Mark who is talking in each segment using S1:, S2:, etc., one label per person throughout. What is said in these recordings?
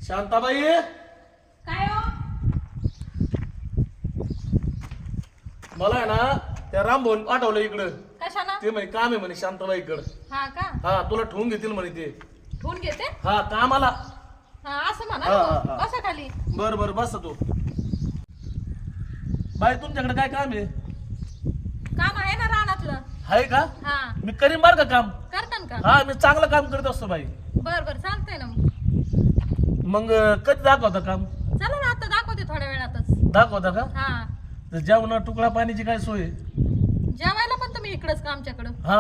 S1: शांताबाई
S2: काय हो?
S1: मला आहे ना त्या रामभवन पाठवलं इकडं.
S2: कशाला?
S1: ते म्हणे काम आहे म्हणे शांताबाई इकडं.
S2: हा का?
S1: हा तुला ठेवून घेतील म्हणे ते.
S2: ठेवून घेते?
S1: हा कामाला.
S2: हा असं म्हणा
S1: हा,
S2: ना
S1: हा,
S2: मग.
S1: हा.
S2: बसा खाली.
S1: बर बर बस तू. बाई तुमच्याकडे काय काम आहे?
S2: काम आहे ना रानातलं.
S1: आहे का?
S2: हा
S1: मी करीन बर का काम.
S2: करतान का?
S1: हा मी चांगलं काम करत असतो बाई.
S2: बर बर चालतंय ना मग.
S1: मग कधी दाखवता काम?
S2: चला ना आता दाखवते थोड्या वेळातच.
S1: दाखवता का?
S2: हा
S1: तर जेवण तुकडा पाण्याची काय सोय आहे?
S2: जेवायला पण तुम्ही इकडंच का आमच्याकडं?
S1: हा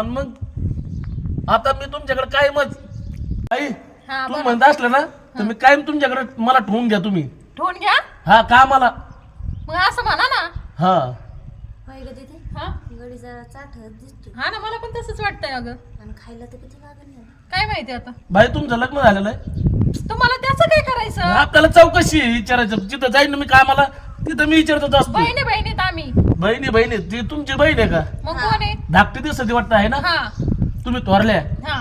S1: मग आता मी तुमच्याकडे काय मत आई
S2: हा
S1: तू
S2: बरं.
S1: म्हणत असलं ना तर मी कायम तुमच्याकडे मला ठेवून घ्या तुम्ही.
S2: ठेवून घ्या.
S1: हा कामाला.
S2: मग असं म्हणा ना.
S1: हा
S3: पाहिलं तिथे
S2: हा
S3: गडी जरा चाटत दिसतो
S2: हा ना मला पण तसंच वाटतंय अगं.
S3: आणि खायला तर किती लागेल ना.
S2: काय माहिती आता.
S1: बाई तुमचं लग्न झालेलं आहे.
S2: तुम्हाला त्याचं काय करायचं?
S1: आपल्याला चौकशी आहे, विचारायचं जिथं जाईन ना मी कामाला तिथं मी विचारतच असतो.
S2: बहिणी बहिणीत आम्ही.
S1: बहिणी बहिणी ती तुमची बहीण आहे का?
S2: मग कोण आहे?
S1: धाकटी दिसती वाटतं आहे ना?
S2: हा
S1: तुम्ही थोरल्या.
S2: हा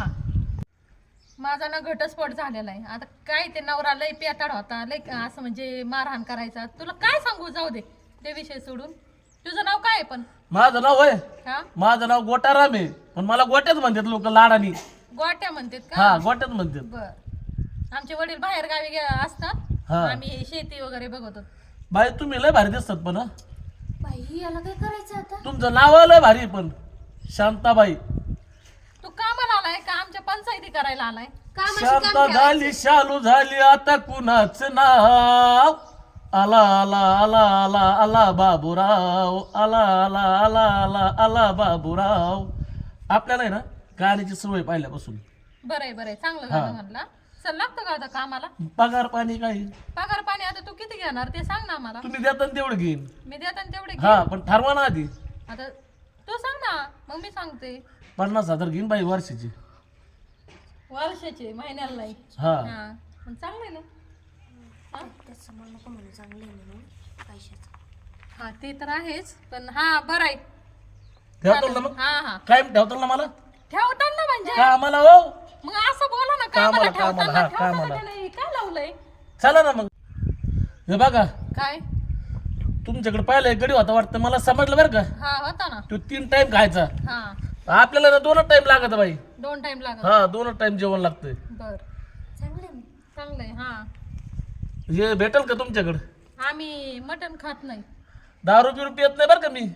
S2: माझा ना घटस्फोट झालेला आहे. आता काय ते नवरा लय पेताड होता, लय असं म्हणजे मारहाण करायचा. तुला काय सांगू, जाऊ दे ते विषय सोडून. तुझं नाव काय आहे पण?
S1: माझं नाव आहे,
S2: हा
S1: माझं नाव गोटाराम आहे, पण मला गोट्याच म्हणतात लोक लाडानी.
S2: गोट्या म्हणतात
S1: हा
S2: का?
S1: गोट्याच म्हणतात.
S2: बर आमचे वडील बाहेर गावी असतात.
S1: हा.
S2: आम्ही शेती वगैरे बघतो.
S1: बाई तुम्ही लय भारी दिसतात पण. हा
S3: बाई याला काय करायचं आता.
S1: तुमचं नाव लय भारी आहे पण शांताबाई.
S2: तू कामाला आलाय का आमच्या पंचायती करायला आलाय?
S3: कामाशी
S1: शांत
S3: काम
S1: झाली शालू झाली आता कुणाच नाव. आला आला आला आला आला बाबूराव. आला आला आला आला आला बाबूराव. आपल्याला आहे ना गाण्याची सवय पाहिल्यापासून.
S2: बरंय चांगलं
S1: हा.
S2: गाणं म्हणला. चल लागतं का आता कामाला?
S1: पगार पाणी काही
S2: पगार पाणी आता तू किती घेणार ते सांग ना आम्हाला.
S1: तुम्ही देता ना तेवढं घेईन.
S2: मी देताना तेवढे घे.
S1: हा पण ठरवा ना आधी.
S2: आता तू सांग ना मग मी सांगते.
S1: 50,000 घेईन बाई वर्षाची.
S2: वर्षाचे महिन्याला नाही.
S1: हा
S2: हा पण चांगलं आहे ना. हा?
S3: त्याचं म्हणणं नको म्हणून चांगलं आहे म्हणून पैशाचं.
S2: हा ते तर आहेच पण हा बरं आहे.
S1: ठेवतो ना मग.
S2: हा हा
S1: काय ठेवतो ना मला
S2: ठेवताना ना म्हणजे
S1: का आम्हाला हो.
S2: मग असं बोला ना
S1: कामाला,
S2: कामाला
S1: कामाला,
S2: ठेवताना
S1: हा,
S2: ठेवताना
S1: कामाला.
S2: त्याला हे काय लावलंय?
S1: चला ना मग. हे बघा
S2: काय?
S1: तुमच्याकडे पाहिलं गडी होता वाटतं मला समजलं बरं का.
S2: हा होता ना.
S1: तो 3 टाइम खायचा.
S2: हा
S1: आपल्याला ना 2 टाइम लागत बाई.
S2: 2 टाइम लागत.
S1: हा 2 टाइम जेवण लागतंय.
S2: बर
S3: चांगलं आहे मग.
S2: चांगलंय. हा
S1: हे भेटेल का तुमच्याकडे?
S2: आम्ही मटण खात नाही.
S1: दारू बिरू पियत नाही बरं का मी.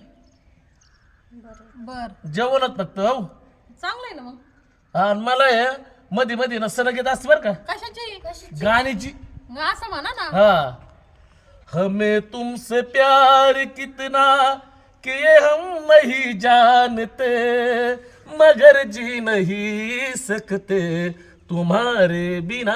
S3: बरं
S2: बर
S1: जेवणच फक्त हो.
S2: चांगलंय ना मग.
S1: हा आणि मला हे मध्ये मध्ये ना सण घेत असते बरं का
S2: कशाची?
S1: गाण्याची.
S2: मग असं म्हणा ना.
S1: हाँ हमें तुमसे प्यार कितना कि ये हम नहीं जानते मगर जी नहीं सकते तुम्हारे बिना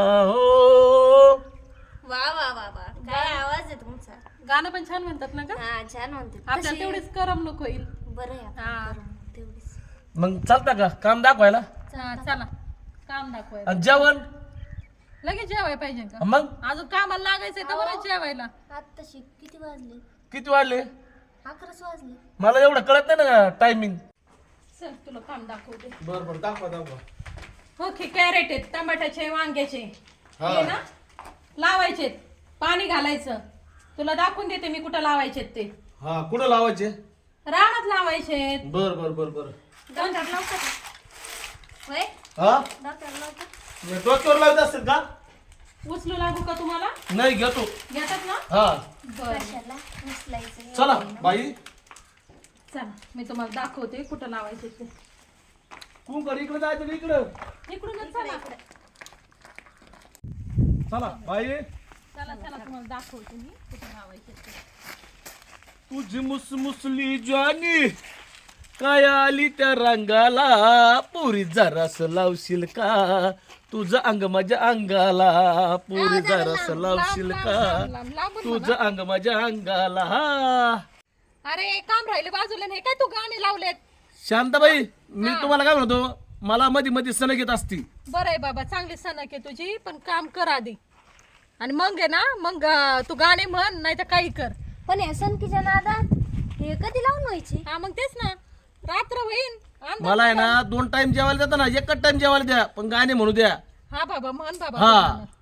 S1: हो.
S3: वा वा वा वा काय आवाज आहे तुमचा.
S2: गाणं पण छान म्हणतात ना का?
S3: हा छान म्हणते.
S2: आपल्याला
S3: तशी-
S2: तेवढीच करमणूक होईल.
S3: बरं आहे आपण
S2: हा.
S3: करू मग तेवढीच.
S1: मग चालता का काम दाखवायला
S2: हा, चला काम दाखवायला.
S1: आणि जेवण
S2: लगेच जेवायला पाहिजे का?
S1: मग
S2: अजून कामाला लागायचंय तर बरं जेवायला.
S3: आत्ताशी किती वाजले.
S1: किती वाजले
S3: 11च वाजले.
S1: मला एवढं कळत नाही ना टायमिंग.
S2: चल तुला काम दाखवते.
S1: बरं बरं दाखवा दाखवा.
S2: हो की कॅरेट आहेत, टमाट्याचे, वांग्याचे
S1: हा.
S2: हे ना लावायचे, पाणी घालायचं. तुला दाखवून देते मी कुठं लावायचे ते.
S1: हा कुठं लावायचे?
S2: रानात लावायचे.
S1: बर बर बर बर.
S3: डॉक्टर लावता का. होय
S1: हा
S3: डॉक्टर लावता.
S1: डोक्यावर लावत असतील का?
S2: उचलू लागू का तुम्हाला?
S1: नाही घेतो.
S2: घेतात ना.
S1: हा
S2: बरं
S3: कशाला उचलायचं.
S1: चला बाई.
S2: चला मी तुम्हाला दाखवते कुठं लावायचे ते.
S1: तू इकडे जायचं का इकडं?
S2: इकडूनच चला.
S1: चला बाई.
S2: चला चला तुम्हाला दाखवते मी कुठं लावायचे ते.
S1: तुझी मुसमुसली ज्वानी काय आली त्या रंगाला पुरी जरास लावशील का तुझं अंग माझ्या अंगाला पुरी जरास लावशील का तुझं अंग माझ्या अंगाला.
S2: अरे काम राहिले बाजूला. नाही काय तू गाणे लावलेत?
S1: शांताबाई मी तुम्हाला काय म्हणतो मला मध्ये मध्ये सण घेत असती.
S2: बरं आहे बाबा चांगली सणक आहे तुझी पण काम कर आधी आणि मग आहे ना मग तू गाणे म्हण नाही तर काही कर.
S3: पण या सनकीच्या नादात हे कधी लावून व्हायची.
S2: हा मग तेच ना रात्र होईन. अंधार
S1: मला आहे ना 2 टाइम जेवायला देता ना 1च टाइम जेवायला द्या पण गाणे म्हणू द्या.
S2: हा बाबा म्हण बाबा
S1: हा.
S2: तू गाणं.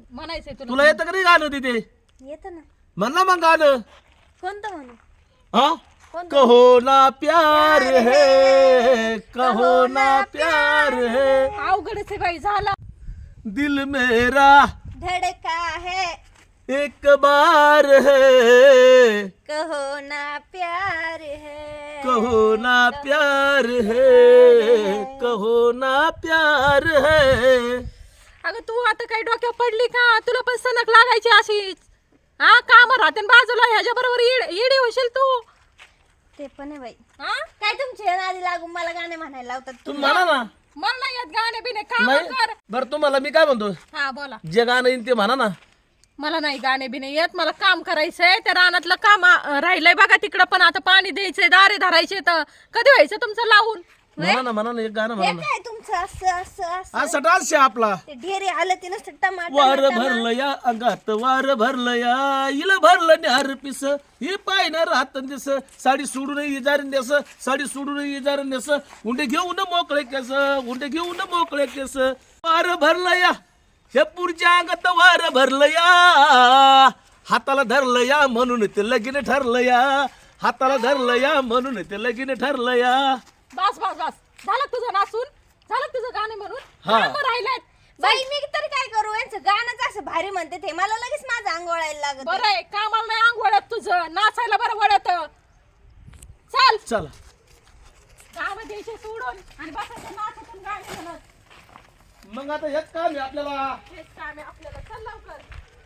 S2: म्हणायचंय
S1: तुला
S2: तुला.
S1: येतं का नाही गाणं तिथे?
S3: येतं ना.
S1: म्हण ना मग गाणं.
S3: कोणतं म्हणू?
S1: हा कहो ना प्यार है, कहो ना प्यार है,
S2: अवघडच आहे बाई झाला.
S1: दिल मेरा
S3: धड़का है
S1: एक बार है,
S3: कहो ना प्यार है,
S1: कहो ना प्यार है, कहो ना प्यार है.
S2: अगं तू आता काही डोक्यावर पडली का? तुला पण सनक लागायची अशीच. हा काम राहते न बाजूला ह्याच्या बरोबर येडी होशील तू.
S3: ते पण आहे बाई.
S2: हा
S3: काय तुमच्या नादी लागून मला गाणे म्हणायला लावतात
S1: तुम्ही म्हणा ना.
S2: मला नाही येत गाणे बिने काम
S1: नाही
S2: कर.
S1: बरं तुम्हाला मी काय म्हणतो,
S2: हा बोला.
S1: जे गाणं येईन ते म्हणा ना.
S2: मला नाही गाणे बिने येत. मला काम करायचंय. त्या रानातलं काम राहिलंय बघा तिकडं, पण आता पाणी द्यायचंय, दारे धरायचे. तर कधी व्हायचं तुमचं लावून?
S1: म्हणा ना एक गाणं
S3: हे
S1: म्हणा ना.
S3: काय तुमचं असं असं असं
S1: असा डान्स आहे आपला.
S3: ते ढेरे आलं ते नसतं
S1: वार
S3: टमाटर
S1: भरलं या अंगात, वार भरलं या इला भरलं न्यार पिस, ही पायणार राहत दिस, साडी सोडून इजारून देस, साडी सोडून इजारून देस, उंडे घेऊन मोकळे केस, उंडे घेऊन मोकळे केस. वार भरलं या हे पुढच्या अंगात, वार भरलं या हाताला धरलं या म्हणून ते लगीन ठरलं या, हाताला धरलं या म्हणून ते लगीन ठरलं या.
S2: बस बस बस झालं तुझं नाचून, झालं तुझं गाणे म्हणून.
S1: हा.
S2: कामं राहिलेत.
S3: बाई मी तरी काय करू, यांचं गाणंच असं भारी म्हणते ते, मला लगेच माझं अंग वळायला लागत.
S2: बरं आहे कामाला नाही अंग वळत तुझं, नाचायला बरं वळत. चल
S1: चला
S2: काम द्यायचे सोडून आणि बसायचं नाचतून गाणे म्हणत.
S1: मग आता हेच काम आहे आपल्याला.
S2: हेच काम आहे आपल्याला. चल लवकर.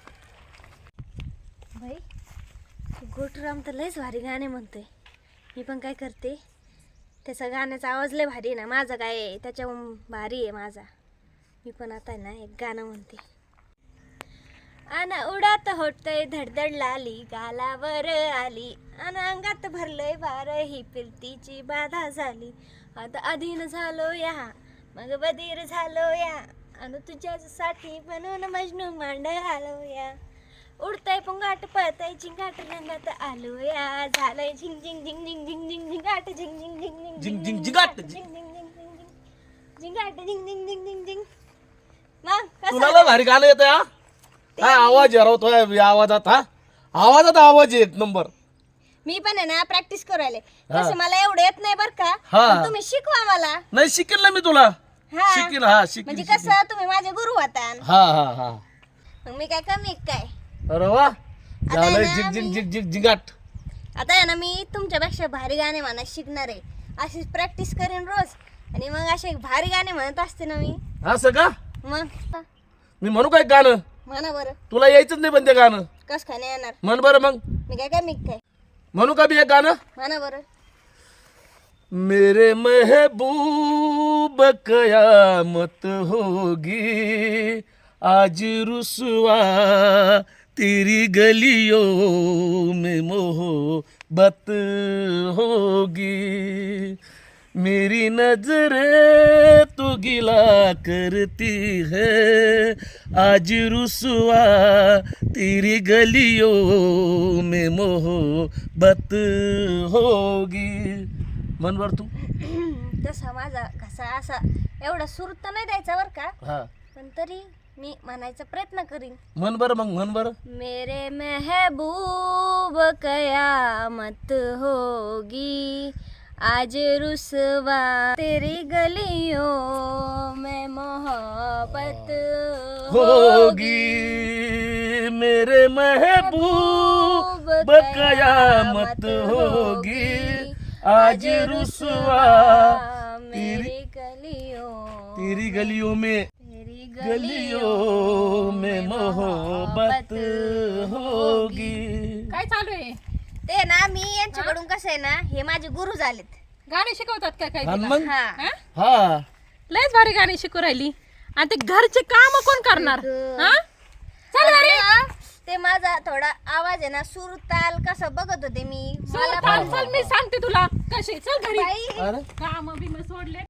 S3: बाई गोटूराम तर लयच भारी गाणे म्हणतोय. मी पण काय करते, त्याचा गाण्याचा आवाज लय भारी आहे ना, माझा काय आहे त्याच्या भारी आहे माझा. मी पण आता ना एक गाणं म्हणते. अन उडात होतय धडधड लाली, गालावर आली अन अंगात भरलंय वार, ही फिरतीची बाधा झाली. आता अधीन झालो या, मग बधीर झालो या, अन तुझ्यासाठी बनून मजनू मांड आलो या. उडतय पुंगाट पळतय झिंगाट रंगात आलो या, झालंय झिंग झिंग झिंग झिंग झिंग झिंग झिंगाट झिंग झिंग झिंग झिंग
S1: झिंग झिंग झिंगाट.
S3: झिंग झिंग झिंग झिंग झिंग झिंगाट झिंग झिंग झिंग झिंग झिंग. मग
S1: तुला
S3: कसं
S1: लय भारी गाणं येतं हा. काय आवाज हरवतोय आवाजात. हा आवाजात आवाज आहे एक नंबर.
S3: मी पण आहे ना प्रॅक्टिस करायला. तसं मला एवढं येत नाही बरं का,
S1: हा.
S3: पण तुम्ही शिकवा मला.
S1: नाही शिकेल ना मी तुला.
S3: हा.
S1: शिकेल हा शिकेल.
S3: म्हणजे कसं तुम्ही माझे गुरु होता.
S1: हा हा हा.
S3: मग मी काय कमी काय.
S1: अरे वा झालं
S3: आहे ना
S1: झिग झिग झिग झिग झिगाट.
S3: आता आहे ना मी तुमच्यापेक्षा भारी गाणे म्हणत शिकणार आहे. अशीच प्रॅक्टिस करेन रोज, आणि मग असे भारी गाणे म्हणत असते ना मी.
S1: असं का?
S3: मग
S1: मी म्हणू काय गाणं?
S3: म्हणा बरं.
S1: तुला यायचंच नाही पण ते गाणं.
S3: कस काय नाही येणार?
S1: म्हण बरं मग.
S3: मी काय कमी काय.
S1: म्हणू का मी एक गाणं?
S3: म्हणा बरं.
S1: मेरे महबूब कयामत होगी आज रुसवा तेरी गलियों में मोहब्बत होगी, मेरी नजरें तो गिला करती है आज रुसवा तेरी गलियों में मोहब्बत होगी. मन बर तू.
S3: तसा माझा कसा असा एवढा सूर तर नाही द्यायचा बरं का,
S1: हा
S3: पण तरी मी म्हणायचा प्रयत्न करीन.
S1: मन बर मग मन बर.
S3: मेरे महबूब कयामत होगी आज रुसवा तेरी गलियों में मोहब्बत
S1: होगी, मेरे महबूब कयामत होगी आज रुसवा
S3: मेरी गलियों
S1: तेरी गलियों में गलियों में मोहब्बत होगी.
S2: काय चालू आहे?
S3: ते ना मी यांच्याकडून कसं आहे ना, हे माझे गुरु झालेत.
S2: गाणे शिकवतात काय काय
S1: हा
S2: तुला?
S1: मग.
S3: हा.
S2: हा?
S1: हा
S2: लयच भारी गाणी शिकू राहिली. आणि ते घरचे काम कोण करणार? हा? चल घरी.
S3: आणि ते माझा थोडा आवाज आहे ना, सूर ताल कसं बघत होते मी.
S2: चल, चल मी सांगते तुला कशी. चल घरी.
S3: बाई
S1: अरे
S2: काम बिम सोडले.